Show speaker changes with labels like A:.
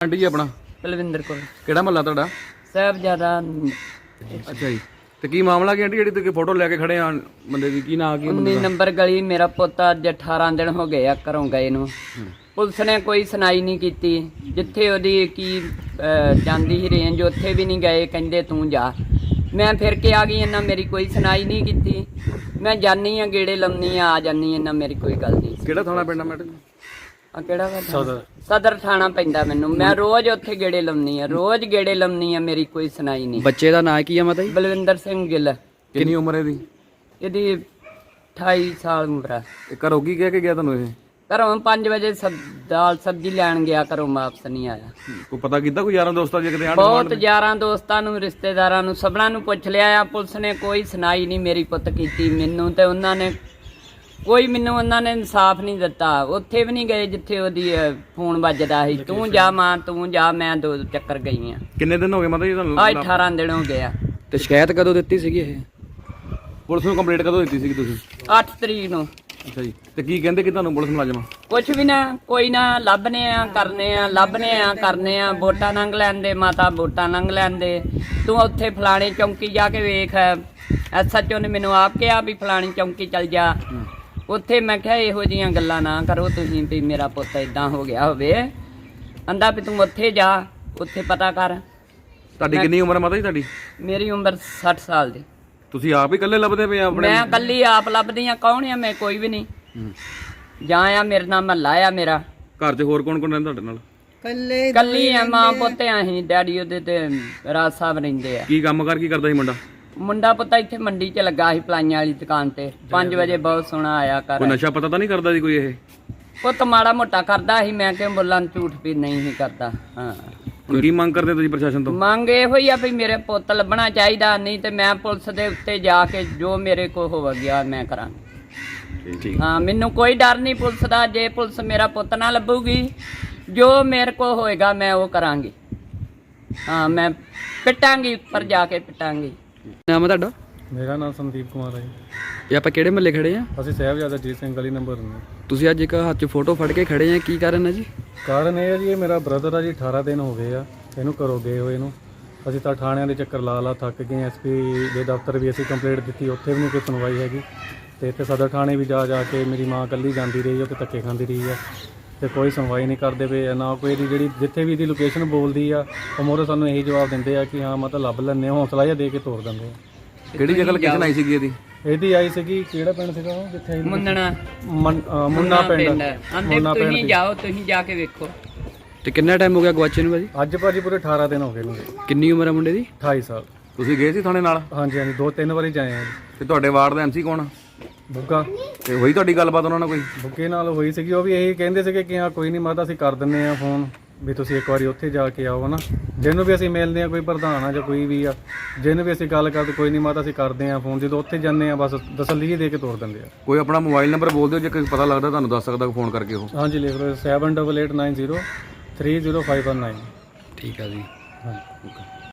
A: Aunty ਜੀ ਆਪਣਾ
B: ਬਲਵਿੰਦਰ ਕੌਰ
A: ਕਿਹੜਾ ਮਹੱਲਾ ਤੁਹਾਡਾ?
B: ਸਾਹਿਬਜ਼ਾਦਾ।
A: ਅੱਛਾ ਜੀ। ਤੇ ਕੀ ਮਾਮਲਾ ਕੀ ਆਂਟੀ ਜਿਹੜੀ ਤੁਸੀਂ ਫੋਟੋ ਲੈ ਕੇ ਖੜੇ ਆ ਬੰਦੇ ਦੀ, ਕੀ ਨਾਂ ਕੀ
B: 19 ਨੰਬਰ ਗਲੀ। ਮੇਰਾ ਪੁੱਤ ਅੱਜ 18 ਦਿਨ ਹੋ ਗਏ ਆ ਘਰੋਂ ਗਏ ਨੂੰ। ਪੁਲਿਸ ਨੇ ਕੋਈ ਸੁਣਾਈ ਨਹੀਂ ਕੀਤੀ। ਜਿੱਥੇ ਉਹਦੀ ਕੀ ਜਾਂਦੀ ਸੀ ਰੇਂਜ, ਉੱਥੇ ਵੀ ਨਹੀਂ ਗਏ। ਕਹਿੰਦੇ ਤੂੰ ਜਾ। ਮੈਂ ਫਿਰ ਕੇ ਆ ਗਈ, ਇਹਨਾਂ ਮੇਰੀ ਕੋਈ ਸੁਣਾਈ ਨਹੀਂ ਕੀਤੀ। ਮੈਂ ਜਾਨੀ ਆ, ਗੇੜੇ ਲਾਉਣੀ ਆ ਜਾਨੀ, ਇਹਨਾਂ ਮੇਰੀ ਕੋਈ ਗੱਲ ਨਹੀਂ।
A: ਕਿਹੜਾ ਥਾਣਾ ਪੈਂਦਾ ਮੈਡਮ?
B: ਆ ਕਿਹੜਾ ਸਦਰ ਥਾਣਾ ਪੈਂਦਾ ਮੈਨੂੰ। ਮੈਂ ਰੋਜ਼ ਉੱਥੇ ਗੇੜੇ ਲਾਉਣੀ ਆ, ਰੋਜ਼ ਗੇੜੇ ਲਾਉਣੀ ਆ, ਮੇਰੀ ਕੋਈ ਸੁਣਾਈ ਨਹੀਂ।
A: ਬੱਚੇ ਦਾ ਨਾਂ ਕੀ ਆ ਮਾਤਾ ਜੀ?
B: ਬਲਵਿੰਦਰ ਸਿੰਘ ਗਿੱਲ।
A: ਕਿੰਨੀ ਉਮਰ ਹੈ ਇਹਦੀ?
B: ਇਹਦੀ 28 ਸਾਲ ਉਮਰ ਆ।
A: ਘਰੋਂ ਕੀ ਕਹਿ ਕੇ ਗਿਆ ਤੁਹਾਨੂੰ ਇਹ?
B: ਘਰੋਂ 5 ਵਜੇ ਦਾਲ ਸਬਜ਼ੀ ਲੈਣ ਗਿਆ, ਘਰੋਂ ਵਾਪਸ ਨਹੀਂ ਆਇਆ।
A: ਕੋਈ ਪਤਾ ਕੀਤਾ ਕੋਈ ਯਾਰਾਂ ਦੋਸਤਾਂ ਜੇ ਕਿਤੇ ਆਂਢ
B: ਬਹੁਤ ਯਾਰਾਂ ਦੋਸਤਾਂ ਨੂੰ, ਰਿਸ਼ਤੇਦਾਰਾਂ ਨੂੰ, ਸਭਨਾਂ ਨੂੰ ਪੁੱਛ ਲਿਆ ਆ। ਪੁਲਿਸ ਨੇ ਕੋਈ ਸੁਣਾਈ ਨਹੀਂ ਮੇਰੀ ਪੁੱਤ ਕੀਤੀ ਮੈਨੂੰ, ਤੇ ਉਹਨਾਂ ਨੇ ਕੋਈ ਮੈਨੂੰ ਉਹਨਾਂ ਨੇ ਇਨਸਾਫ ਨਹੀਂ ਦਿੱਤਾ। ਉੱਥੇ ਵੀ ਨਹੀਂ ਗਏ ਜਿੱਥੇ ਉਹਦੀ ਫੋਨ ਵੱਜਦਾ ਸੀ, ਤੂੰ ਜਾ ਮਾਂ ਤੂੰ ਜਾ। ਮੈਂ 2 ਚੱਕਰ ਗਈ ਆ।
A: ਕਿੰਨੇ ਦਿਨ ਹੋ ਗਏ ਮਾਤਾ ਜੀ ਤੁਹਾਨੂੰ?
B: ਆ 18 ਦਿਨ ਹੋ ਗਏ ਆ।
A: ਤੇ ਸ਼ਿਕਾਇਤ ਕਦੋਂ ਦਿੱਤੀ ਸੀਗੀ ਇਹ? ਪੁਲਿਸ ਨੂੰ ਕੰਪਲੇਂਟ ਕਦੋਂ ਦਿੱਤੀ ਸੀਗੀ ਤੁਸੀਂ?
B: 8 ਤਰੀਕ ਨੂੰ।
A: ਅੱਛਾ ਜੀ। ਤੇ ਕੀ ਕਹਿੰਦੇ ਕਿ ਤੁਹਾਨੂੰ ਪੁਲਿਸ ਮੁਲਾਜ਼ਮ?
B: ਕੁਛ ਵੀ ਨਾ, ਕੋਈ ਨਾ, ਲੱਭਨੇ ਆ ਕਰਨੇ ਆ, ਲੱਭਨੇ ਆ ਕਰਨੇ ਆ। ਵੋਟਾਂ ਲੰਘ ਲੈਂਦੇ ਮਾਤਾ, ਵੋਟਾਂ ਲੰਘ ਲੈਂਦੇ। ਤੂੰ ਉੱਥੇ ਫਲਾਣੇ ਚੌਂਕੀ ਜਾ ਕੇ ਵੇਖ। SHO ਨੇ ਮੈਨੂੰ ਆਪ ਕਿਹਾ ਵੀ ਫਲਾਣੀ ਚੌਂਕੀ ਚੱਲ ਜਾ। ਉੱਥੇ ਮੈਂ ਕਿਹਾ ਇਹੋ ਜਿਹੀਆਂ ਗੱਲਾਂ ਨਾ ਕਰੋ ਤੁਸੀਂ ਵੀ ਮੇਰਾ ਪੁੱਤ ਇਦਾਂ ਹੋ ਗਿਆ ਹੋਵੇ। ਕਹਿੰਦਾ ਵੀ ਤੂੰ ਉੱਥੇ ਜਾ, ਉੱਥੇ ਪਤਾ ਕਰ।
A: ਤੁਹਾਡੀ ਕਿੰਨੀ ਉਮਰ ਹੈ ਮਾਤਾ ਜੀ ਤੁਹਾਡੀ?
B: ਮੇਰੀ ਉਮਰ 60 ਸਾਲ ਦੀ।
A: ਤੁਸੀਂ ਆਪ ਹੀ ਇਕੱਲੇ ਲੱਭਦੇ ਪਏ ਆਪਣੇ?
B: ਮੈਂ ਇਕੱਲੀ ਆਪ ਲੱਭਦੀ ਆ। ਕੌਣ ਆ ਮੈਂ? ਕੋਈ ਵੀ ਨਹੀਂ। ਜਾਂ ਆ ਮੇਰੇ ਨਾਲ ਮਹੱਲਾ ਆ ਮੇਰਾ।
A: ਘਰ 'ਚ ਹੋਰ ਕੌਣ ਕੌਣ ਰਹਿੰਦਾ ਤੁਹਾਡੇ ਨਾਲ?
B: ਕੱਲੀ ਆ, ਮਾਂ ਪੁੱਤ ਆ ਅਸੀਂ। ਡੈਡੀ ਉਹਦੇ ਤੇ ਰਾਜ ਸਾਹਿਬ ਰਹਿੰਦੇ ਆ।
A: ਕੀ ਕੰਮ ਕਰ ਕੀ ਕਰਦਾ ਸੀ ਮੁੰਡਾ?
B: ਮੁੰਡਾ ਪੁੱਤ ਇੱਥੇ ਮੰਡੀ 'ਚ ਲੱਗਾ ਸੀ ਪਲਾਈਆਂ ਵਾਲੀ ਦੁਕਾਨ ਤੇ। 5 ਵਜੇ ਬਹੁਤ ਸੋਹਣਾ ਆਇਆ ਕਰ।
A: ਕੋਈ ਨਸ਼ਾ ਪਤਾ ਤਾਂ ਨਹੀਂ ਕਰਦਾ ਸੀ ਕੋਈ ਇਹ?
B: ਪੁੱਤ ਮਾੜਾ ਮੋਟਾ ਕਰਦਾ ਸੀ। ਮੈਂ ਕਿਹਾ ਬੋਲਾਂ ਝੂਠ ਵੀ ਨਹੀਂ ਸੀ ਕਰਦਾ। ਹਾਂ।
A: ਹੁਣ ਕੀ ਮੰਗ ਕਰਦੇ ਤੁਸੀਂ ਪ੍ਰਸ਼ਾਸਨ ਤੋਂ?
B: ਮੰਗ ਇਹੋ ਹੀ ਆ ਵੀ ਮੇਰੇ ਪੁੱਤ ਲੱਭਣਾ ਚਾਹੀਦਾ। ਨਹੀਂ ਤੇ ਮੈਂ ਪੁਲਿਸ ਦੇ ਉੱਤੇ ਜਾ ਕੇ ਜੋ ਮੇਰੇ ਕੋਲ ਹੋ ਗਿਆ ਮੈਂ ਕਰਾਂਗੀ।
A: ਠੀਕ।
B: ਹਾਂ, ਮੈਨੂੰ ਕੋਈ ਡਰ ਨਹੀਂ ਪੁਲਿਸ ਦਾ। ਜੇ ਪੁਲਿਸ ਮੇਰਾ ਪੁੱਤ ਨਾ ਲੱਭੂਗੀ, ਜੋ ਮੇਰੇ ਕੋਲ ਹੋਏਗਾ ਮੈਂ ਉਹ ਕਰਾਂਗੀ। ਹਾਂ, ਮੈਂ ਪਿੱਟਾਂਗੀ, ਉੱਪਰ ਜਾ ਕੇ ਪਿੱਟਾਂਗੀ।
A: ਨਾਮ ਹੈ ਤੁਹਾਡਾ?
C: ਮੇਰਾ ਨਾਮ ਸੰਦੀਪ ਕੁਮਾਰ ਹੈ।
A: ਇਹ ਆਪਾਂ ਕਿਹੜੇ ਮਹੱਲੇ ਖੜੇ ਆ?
C: ਅਸੀਂ ਸਾਹਿਬਜ਼ਾਦਾ ਅਜੀਤ ਸਿੰਘ ਗਲੀ ਨੰਬਰ 9।
A: ਤੁਸੀਂ ਅੱਜ ਇੱਕ ਹੱਥ 'ਚ ਫੋਟੋ ਫੜ ਕੇ ਖੜੇ ਆ, ਕੀ ਕਾਰਨ ਹੈ ਜੀ?
C: ਕਾਰਨ ਇਹ ਹੈ ਜੀ, ਇਹ ਮੇਰਾ ਬ੍ਰਦਰ ਆ ਜੀ। 18 ਦਿਨ ਹੋ ਗਏ ਆ ਇਹਨੂੰ ਘਰੋਂ ਗਏ ਹੋਏ ਨੂੰ। ਅਸੀਂ ਤਾਂ ਥਾਣਿਆਂ ਦੇ ਚੱਕਰ ਲਾ ਥੱਕ ਗਏ। SP ਦੇ ਦਫ਼ਤਰ ਵੀ ਅਸੀਂ ਕੰਪਲੇਂਟ ਦਿੱਤੀ, ਉੱਥੇ ਵੀ ਨਹੀਂ ਕੋਈ ਸੁਣਵਾਈ ਹੈਗੀ। ਤੇ ਇੱਥੇ ਸਦਰ ਥਾਣੇ ਵੀ ਜਾ ਕੇ ਮੇਰੀ ਮਾਂ ਇਕੱਲੀ ਜਾਂਦੀ ਰਹੀ, ਉੱਥੇ ਧੱਕੇ ਖਾਂਦੀ ਰਹੀ ਆ। ਤੇ ਕੋਈ ਸੁਣਵਾਈ ਨਹੀਂ ਕਰਦੇ ਪਏ ਨਾ। ਕੋਈ ਇਹਦੀ ਜਿਹੜੀ ਜਿੱਥੇ ਵੀ ਇਹਦੀ ਲੋਕੇਸ਼ਨ ਬੋਲਦੀ ਆ, ਉਹ ਮੋਰੇ ਸਾਨੂੰ ਇਹੀ ਜਵਾਬ ਦਿੰਦੇ ਆ ਕਿ ਹਾਂ ਮਤਲਬ ਲੱਭ ਲੈਂਦੇ ਆ। ਹੌਸਲਾ ਜਿਹਾ ਦੇ ਕੇ ਤੋਰ ਦਿੰਦੇ ਆ।
A: ਕਿਹੜੀ ਜਗ੍ਹਾ ਲੋਕੇਸ਼ਨ ਆਈ ਸੀਗੀ ਇਹਦੀ?
C: ਇਹਦੀ ਆਈ ਸੀਗੀ, ਕਿਹੜਾ ਪਿੰਡ ਸੀਗਾ ਉਹ ਜਿੱਥੇ?
B: ਮੁੰਨਣਾ
C: ਮੁੰਨਾ ਪਿੰਡ।
B: ਆਂਦੇ ਤੁਸੀਂ ਜਾਓ, ਤੁਸੀਂ ਜਾ ਕੇ ਵੇਖੋ।
A: ਤੇ ਕਿੰਨਾ ਟਾਈਮ ਹੋ ਗਿਆ ਗਵਾਚੇ ਨੂੰ ਭਾਜੀ?
C: ਅੱਜ ਭਾਜੀ ਪੂਰੇ 18 ਦਿਨ ਹੋ ਗਏ ਨੂੰ।
A: ਕਿੰਨੀ ਉਮਰ ਹੈ ਮੁੰਡੇ ਦੀ?
C: 28 ਸਾਲ।
A: ਤੁਸੀਂ ਗਏ ਸੀ ਥਾਣੇ ਨਾਲ?
C: ਹਾਂਜੀ 2-3 ਵਾਰੀ ਜਾਏ ਆ।
A: ਤੇ ਤੁਹਾਡੇ ਵਾਰਡ ਦਾ MC ਕੌਣ ਆ?
C: ਬੁੱਗਾ।
A: ਤੇ ਹੋਈ ਤੁਹਾਡੀ ਗੱਲਬਾਤ ਉਹਨਾਂ ਨਾਲ ਕੋਈ?
C: ਬੁੱਗੇ ਨਾਲ ਹੋਈ ਸੀਗੀ। ਉਹ ਵੀ ਇਹੀ ਕਹਿੰਦੇ ਸੀਗੇ ਕਿ ਹਾਂ ਕੋਈ ਨਹੀਂ ਮਾਤਾ ਅਸੀਂ ਕਰ ਦਿੰਦੇ ਆ ਫੋਨ, ਵੀ ਤੁਸੀਂ ਇੱਕ ਵਾਰੀ ਉੱਥੇ ਜਾ ਕੇ ਆਓ ਨਾ। ਜਿਹਨੂੰ ਵੀ ਅਸੀਂ ਮਿਲਦੇ ਆ, ਕੋਈ ਪ੍ਰਧਾਨ ਆ ਜਾਂ ਕੋਈ ਵੀ ਆ, ਜਿਹਨੂੰ ਵੀ ਅਸੀਂ ਗੱਲ ਕਰਦੇ, ਕੋਈ ਨਹੀਂ ਮਾਤਾ ਅਸੀਂ ਕਰਦੇ ਆ ਫੋਨ। ਜਦੋਂ ਉੱਥੇ ਜਾਂਦੇ ਆ ਬਸ ਤਸੱਲੀ ਦੇ ਕੇ ਤੋਰ ਦਿੰਦੇ ਆ।
A: ਕੋਈ ਆਪਣਾ ਮੋਬਾਈਲ ਨੰਬਰ ਬੋਲ ਦਿਓ ਜੇ ਕੋਈ ਪਤਾ ਲੱਗਦਾ ਤੁਹਾਨੂੰ ਦੱਸ ਸਕਦਾ ਫੋਨ ਕਰਕੇ ਉਹ।
C: ਹਾਂਜੀ ਲਿਖ ਲਓ 7889030519।
A: ਠੀਕ ਆ ਜੀ।
C: ਹਾਂਜੀ।